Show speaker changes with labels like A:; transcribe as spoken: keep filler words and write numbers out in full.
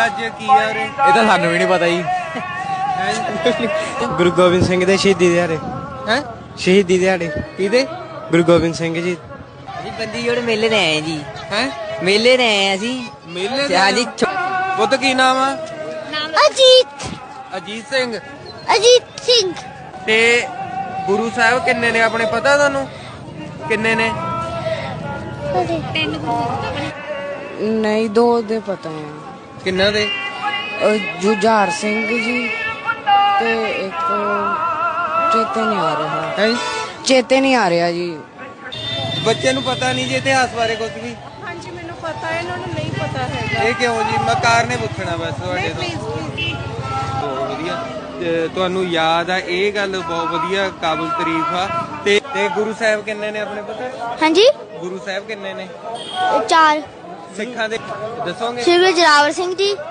A: ਅੱਜ ਕੀ ਆ ਰੇ?
B: ਇਹ ਤਾਂ ਸਾਨੂੰ ਵੀ ਨਹੀਂ ਪਤਾ ਜੀ।
C: ਗੁਰੂ ਗੋਬਿੰਦ ਸਿੰਘ ਦੇ ਸ਼ਹੀਦੀ ਦਿਹਾੜੇ।
A: ਹੈ
C: ਸ਼ਹੀਦੀ ਦਿਹਾੜੇ
A: ਕਿਹਦੇ?
C: ਗੁਰੂ ਗੋਬਿੰਦ ਸਿੰਘ ਜੀ।
D: ਅਸੀਂ ਬੰਦੀ ਜੋੜ ਮੇਲੇ ਤੇ ਆਏ ਜੀ।
A: ਹੈ
D: ਮੇਲੇ ਤੇ ਆਏ ਅਸੀਂ
A: ਮੇਲੇ
D: ਤੇ ਹਾਂਜੀ
A: ਪੁੱਤ ਕੀ ਨਾਮ ਆ?
E: ਅਜੀਤ
A: ਅਜੀਤ ਸਿੰਘ।
E: ਅਜੀਤ ਸਿੰਘ
A: ਤੇ ਗੁਰੂ ਸਾਹਿਬ ਕਿੰਨੇ ਨੇ ਆਪਣੇ ਪਤਾ ਤੁਹਾਨੂੰ? ਕਿੰਨੇ ਨੇ?
F: ਨਹੀਂ ਦੋ ਦੇ ਪਤਾ ਹੈ।
A: ਕਿੰਨਾ ਦੇ?
F: ਜੁਝਾਰ ਸਿੰਘ ਜੀ ਤੇ ਇੱਕ ਚੇਤੇ ਨਹੀਂ ਆ ਰਿਹਾ
A: ਹੈ
F: ਚੇਤੇ ਨਹੀਂ ਆ ਰਿਹਾ ਜੀ।
A: ਬੱਚੇ ਨੂੰ ਪਤਾ ਨਹੀਂ ਜੀ ਇਤਿਹਾਸ ਬਾਰੇ ਕੁਝ ਵੀ?
G: ਹਾਂਜੀ ਮੈਨੂੰ ਪਤਾ ਹੈ, ਇਹਨਾਂ ਨੂੰ ਨਹੀਂ ਪਤਾ ਹੈਗਾ।
A: ਇਹ ਕਿਉਂ ਜੀ? ਮੈਂ ਕਾਰਨ ਪੁੱਛਣਾ ਬਸ ਤੁਹਾਡੇ
G: ਨਹੀਂ
A: ਤੋਂ।
G: ਪਲੀਜ਼ ਪਲੀਜ਼
A: ਬਹੁਤ ਵਧੀਆ। ਤੇ ਤੁਹਾਨੂੰ ਯਾਦ ਆ ਇਹ ਗੱਲ ਬਹੁਤ ਵਧੀਆ, ਕਾਬਿਲ ਤਾਰੀਫ ਆ। ਤੇ ਤੇ ਗੁਰੂ ਸਾਹਿਬ ਕਿੰਨੇ ਨੇ ਆਪਣੇ ਪਤਾ?
E: ਹਾਂਜੀ
A: ਗੁਰੂ ਸਾਹਿਬ ਕਿੰਨੇ ਨੇ
E: ਚਾਰ
A: ਸਿੱਖਾਂ ਦੇ? ਦੱਸੋਗੇ?
E: ਸ਼੍ਰੀ ਗੁਰੂ ਜੋਰਾਵਰ ਸਿੰਘ ਜੀ,